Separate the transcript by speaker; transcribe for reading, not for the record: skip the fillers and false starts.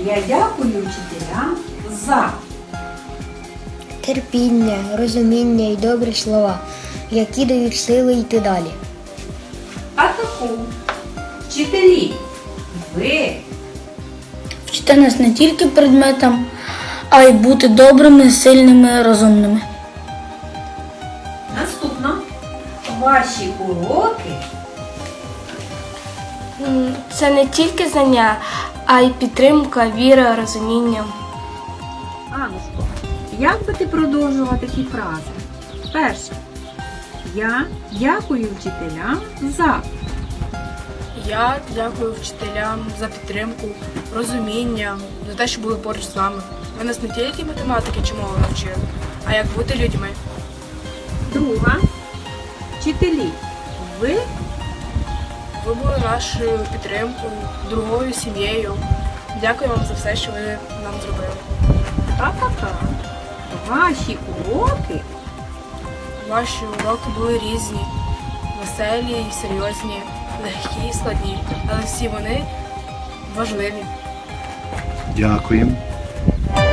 Speaker 1: Я дякую вчителям за
Speaker 2: терпіння, розуміння і добрі слова, які дають сили йти далі.
Speaker 1: А таку. Вчителі, ви
Speaker 3: Вчити нас не тільки предметам, а й бути добрими, сильними, розумними.
Speaker 1: наступно. Ваші уроки
Speaker 4: Це не тільки знання, а й підтримка, віра, розуміння.
Speaker 1: Анушко, як би ти продовжувала такі фрази? Перше. Я дякую вчителям за.
Speaker 4: Я дякую вчителям за підтримку, розуміння, за те, що були поруч з нами. Ви нас не тільки математики чи мови навчили, а як бути людьми.
Speaker 1: Друга. Вчителі, ви
Speaker 4: Ви були нашою підтримкою, другою сім'єю. Дякую вам за все, що ви нам зробили.
Speaker 1: та-та-та. Ваші уроки
Speaker 4: Ваші уроки були різні, веселі і серйозні, легкі і складні, але всі вони важливі.
Speaker 5: Дякуємо.